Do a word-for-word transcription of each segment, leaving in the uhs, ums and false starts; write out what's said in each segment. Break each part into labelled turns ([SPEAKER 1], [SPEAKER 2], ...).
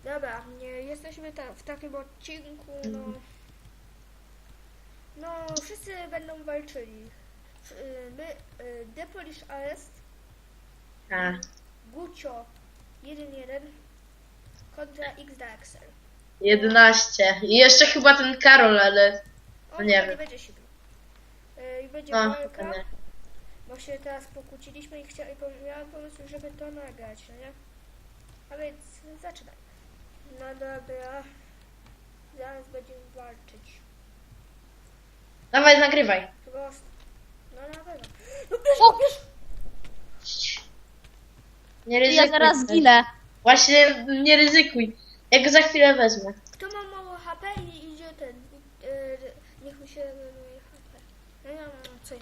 [SPEAKER 1] Dobra, nie, jesteśmy ta, w takim odcinku, no... No, wszyscy będą walczyli. Y, My, y, The Polish Arrest,
[SPEAKER 2] A.
[SPEAKER 1] Gucio jeden jeden kontra X Daxel.
[SPEAKER 2] jedenaście. I jeszcze chyba ten Karol, ale...
[SPEAKER 1] On
[SPEAKER 2] nie
[SPEAKER 1] nie,
[SPEAKER 2] wiem.
[SPEAKER 1] nie będzie się bił. Y, I będzie
[SPEAKER 2] No,
[SPEAKER 1] walka,
[SPEAKER 2] chyba nie.
[SPEAKER 1] bo się teraz pokłóciliśmy i chciałem, miałam pomysł, żeby to nagrać, no nie? A więc zaczynaj. No dobra. Zaraz będziemy walczyć.
[SPEAKER 2] Dawaj, nagrywaj.
[SPEAKER 1] Prosto. No na pewno. No bierz,
[SPEAKER 3] O!
[SPEAKER 1] bierz!
[SPEAKER 2] Nie
[SPEAKER 3] Ja
[SPEAKER 2] ryzykuj.
[SPEAKER 3] zaraz zginę.
[SPEAKER 2] Właśnie nie ryzykuj. Ja go za chwilę wezmę.
[SPEAKER 1] Kto ma mało H P i idzie ten. Yy, niech mi się regeneruje H P. No ja mam co im.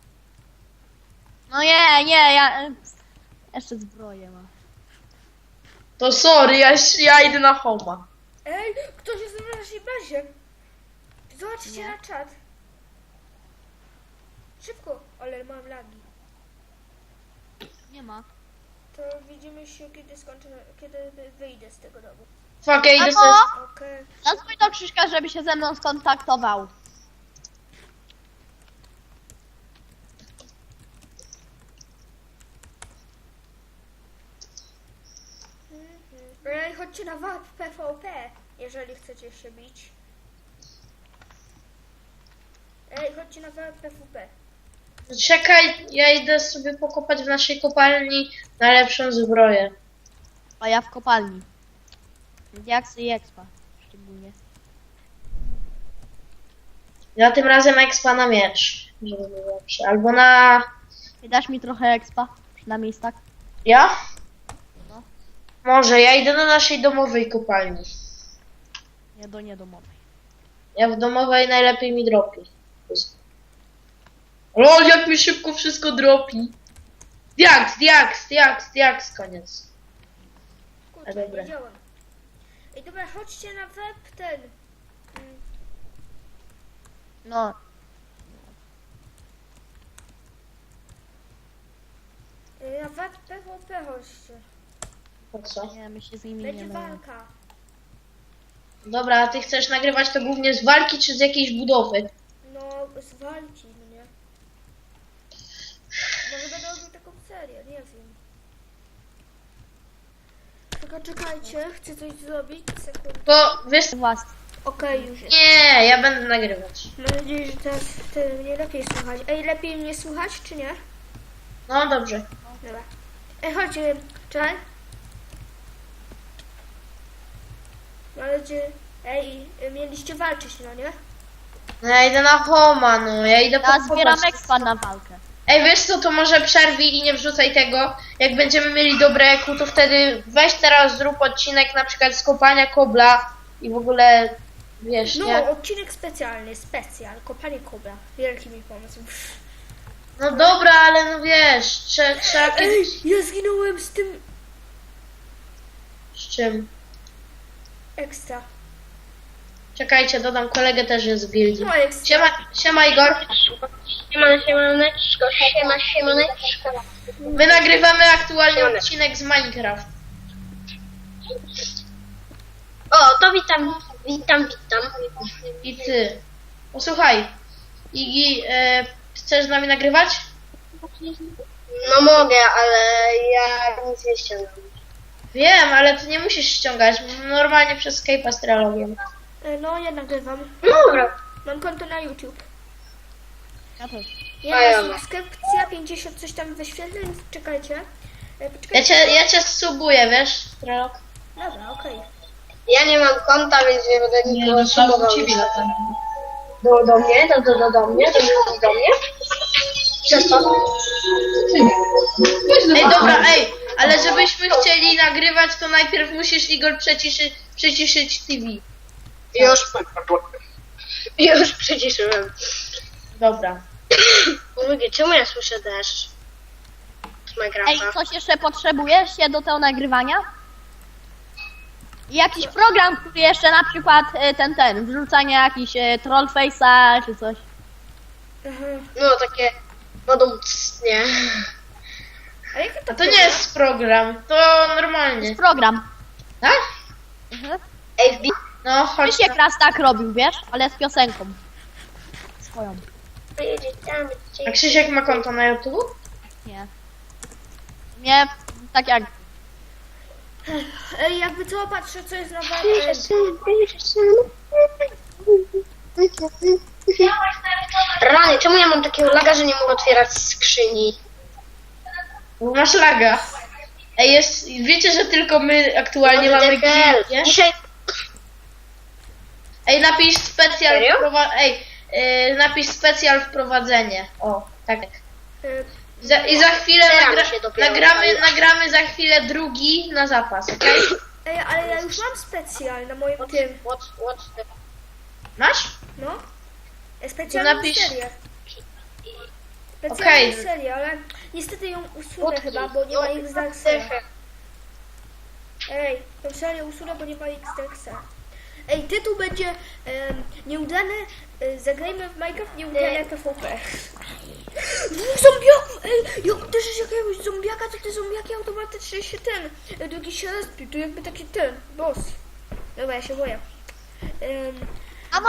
[SPEAKER 3] No nie, nie, ja... Jeszcze zbroję mam.
[SPEAKER 2] To sorry, ja, ja idę na homa.
[SPEAKER 1] Ej, ktoś jest w naszej bazie. Zobaczcie
[SPEAKER 3] Nie.
[SPEAKER 1] na czat. Szybko, ale mam lagi.
[SPEAKER 3] Nie ma.
[SPEAKER 1] To widzimy się kiedy skończę, kiedy wy- wyjdę z tego domu.
[SPEAKER 2] Fuck, ja idę
[SPEAKER 3] Albo
[SPEAKER 2] sobie...
[SPEAKER 1] Okej.
[SPEAKER 3] zadzwoń do Krzyśka, żeby się ze mną skontaktował.
[SPEAKER 1] Mhm. Ej, chodźcie na W A P P V P, jeżeli chcecie się bić. Ej, chodźcie na W A P P V P.
[SPEAKER 2] Czekaj, ja idę sobie pokopać w naszej kopalni najlepszą zbroję.
[SPEAKER 3] A ja w kopalni. Diaksy i expa. Szczególnie.
[SPEAKER 2] Ja tym razem expa na miecz, żeby było lepsze. Albo na...
[SPEAKER 3] I dasz mi trochę expa? Przynajmniej tak.
[SPEAKER 2] Ja?
[SPEAKER 3] No.
[SPEAKER 2] Może, ja idę do naszej domowej kopalni.
[SPEAKER 3] Nie do niedomowej.
[SPEAKER 2] Ja w domowej najlepiej mi dropi. Lol, jak mi szybko wszystko dropi. Diaks, diaks, diaks, diaks, koniec. A
[SPEAKER 1] Kurczę,
[SPEAKER 2] dobra.
[SPEAKER 1] nie działa. Ej, dobra, chodźcie na web ten. Mm,
[SPEAKER 3] No.
[SPEAKER 1] y, Na W A P P V P chodźcie.
[SPEAKER 2] Po co?
[SPEAKER 3] Nie, my się z nimi
[SPEAKER 1] Będzie
[SPEAKER 3] nie mamy.
[SPEAKER 1] walka.
[SPEAKER 2] Dobra, a ty chcesz nagrywać to głównie z walki czy z jakiejś budowy?
[SPEAKER 1] No, zwalci mnie. Może będę robił taką serię, nie wiem. Tylko czekajcie, chcę coś zrobić. Sekundę.
[SPEAKER 2] To wiesz...
[SPEAKER 3] Własny.
[SPEAKER 1] Okej, już jest.
[SPEAKER 2] Nie, ja będę nagrywać.
[SPEAKER 1] Mam nadzieję, że teraz wtedy mnie lepiej słychać. Ej, lepiej mnie słychać, czy nie?
[SPEAKER 2] No dobrze.
[SPEAKER 1] Dobra. Ej, chodźcie, czekaj. Możecie... Ej, mieliście walczyć, no nie?
[SPEAKER 2] No ja idę na homa, no ja idę
[SPEAKER 3] Ja
[SPEAKER 2] pokopać.
[SPEAKER 3] zbieram expa na walkę.
[SPEAKER 2] Ej, wiesz co, to może przerwij i nie wrzucaj tego. Jak będziemy mieli dobre eku, to wtedy weź teraz zrób odcinek na przykład z kopania kobla i w ogóle, wiesz,
[SPEAKER 1] No,
[SPEAKER 2] nie?
[SPEAKER 1] odcinek specjalny, specjal, kopanie kobra. Wielki mi pomysł.
[SPEAKER 2] No dobra, ale no wiesz, trzeba, trzeba
[SPEAKER 1] Ej,
[SPEAKER 2] kiedyś...
[SPEAKER 1] ja zginąłem z tym
[SPEAKER 2] Z czym?
[SPEAKER 1] ekstra.
[SPEAKER 2] Czekajcie, dodam kolegę też jest z gildii.
[SPEAKER 1] No ekstra.
[SPEAKER 2] Siema, siema Igor.
[SPEAKER 4] Siema, siemaneczko, siema, siemaneczko.
[SPEAKER 2] My nagrywamy aktualnie odcinek z Minecraft.
[SPEAKER 4] O, to witam, witam, witam.
[SPEAKER 2] I ty. Posłuchaj, Igi, e, chcesz z nami nagrywać?
[SPEAKER 4] No mogę, ale ja nic nie ściągam.
[SPEAKER 2] Wiem, ale ty nie musisz ściągać. Normalnie przez Skype'a z trialogiem.
[SPEAKER 1] E, No, ja nagrywam.
[SPEAKER 4] Dobra.
[SPEAKER 1] Mam konto na YouTube.
[SPEAKER 3] Ja też.
[SPEAKER 4] A ja
[SPEAKER 1] Jedna
[SPEAKER 4] mam.
[SPEAKER 1] subskrypcja, pięćdziesiąt coś tam wyświetleń. Czekajcie. E,
[SPEAKER 2] Ja
[SPEAKER 1] Poczekajcie.
[SPEAKER 2] cię, ja cię subuję, wiesz, Trelog?
[SPEAKER 1] Dobra, okej.
[SPEAKER 4] Ja nie mam konta, więc nie będę nikogo subował. Do, do mnie, do, do, do, do mnie, do, do, do mnie. Przez to.
[SPEAKER 2] Ej, dobra, ej, ale żebyśmy chcieli nagrywać, to najpierw musisz, Igor, przyciszyć, przyciszyć T V.
[SPEAKER 4] Już. Już przyciszyłem.
[SPEAKER 2] Dobra.
[SPEAKER 4] Mówię, czemu ja słyszę deszcz? Z
[SPEAKER 3] Ej,
[SPEAKER 4] Minecrafta.
[SPEAKER 3] coś jeszcze potrzebujesz się do tego nagrywania? I jakiś program, który jeszcze na przykład e, ten, ten, wrzucanie jakiś e, trollface'a czy coś.
[SPEAKER 1] Aha.
[SPEAKER 4] No takie wodą nie.
[SPEAKER 1] A jaki to
[SPEAKER 2] A to nie jest program, to
[SPEAKER 3] To
[SPEAKER 2] normalnie.
[SPEAKER 3] jest program.
[SPEAKER 2] Tak?
[SPEAKER 3] Mhm.
[SPEAKER 4] Ej, wbi...
[SPEAKER 2] No, chodź.
[SPEAKER 3] Krzysiek raz tak robił, wiesz? Ale z piosenką. Swoją.
[SPEAKER 2] A Krzysiek ma konto na YouTube?
[SPEAKER 3] Nie. Nie, tak jak...
[SPEAKER 1] Ej, jakby co, patrzę, co jest na wa-
[SPEAKER 4] Rany, czemu ja mam takiego laga, że nie mogę otwierać skrzyni?
[SPEAKER 2] Bo masz laga. Ej, jest, wiecie, że tylko my aktualnie
[SPEAKER 4] What
[SPEAKER 2] mamy
[SPEAKER 4] the hell?
[SPEAKER 2] guild, nie?
[SPEAKER 4] Dzisiaj...
[SPEAKER 2] Ej, napisz specjal
[SPEAKER 4] Serio?
[SPEAKER 2] wprowa- Ej, yy, napisz specjal wprowadzenie. O, tak.
[SPEAKER 1] y,
[SPEAKER 2] Za, I za chwilę
[SPEAKER 4] Staram
[SPEAKER 2] nagra-
[SPEAKER 4] się dopiero
[SPEAKER 2] nagramy,
[SPEAKER 4] odpalić.
[SPEAKER 2] nagramy za chwilę drugi na zapas, okej?
[SPEAKER 1] Ej, ale ja już mam specjal na moim tym,
[SPEAKER 4] What, what the...
[SPEAKER 2] Masz?
[SPEAKER 1] no. Specjalną
[SPEAKER 2] napisz-
[SPEAKER 1] serię. Specjalną
[SPEAKER 2] Okej.
[SPEAKER 1] serię, ale niestety ją usunę
[SPEAKER 4] What
[SPEAKER 1] chyba,
[SPEAKER 4] the-
[SPEAKER 1] bo nie ma
[SPEAKER 4] what
[SPEAKER 1] X
[SPEAKER 4] the
[SPEAKER 1] Darksa.
[SPEAKER 4] heck?
[SPEAKER 1] Ej, tą serię usunę, bo nie ma X Darksa. Ej, tytuł będzie em, nieudane, e, zagrajmy w Minecraft nieudane P V P. Dwóch zombiaków! Ej, jak uderzysz jakiegoś zombiaka, to te zombiaki automatycznie się ten, e, drugi się respił, to jakby taki ten, boss. Dobra, ja się boję. Em,
[SPEAKER 3] Mamo!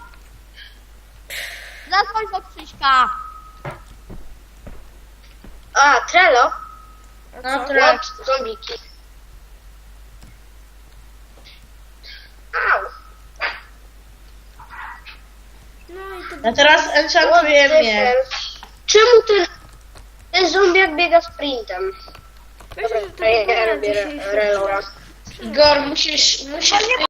[SPEAKER 3] Zadzwoń do Krzyśka.
[SPEAKER 4] A, Trello?
[SPEAKER 1] a
[SPEAKER 2] No,
[SPEAKER 1] co?
[SPEAKER 2] Trello.
[SPEAKER 4] What? Zombiki. Au.
[SPEAKER 1] No i to
[SPEAKER 2] Ja teraz
[SPEAKER 4] What
[SPEAKER 2] enchantuję
[SPEAKER 4] the
[SPEAKER 2] mnie.
[SPEAKER 4] hell? Czemu ten... Ten zombiak biega sprintem?
[SPEAKER 1] myślę, że to
[SPEAKER 4] Ja, ja
[SPEAKER 1] dopiero
[SPEAKER 4] robię
[SPEAKER 1] dzisiejszy
[SPEAKER 4] relora.
[SPEAKER 2] Igor, musisz, musisz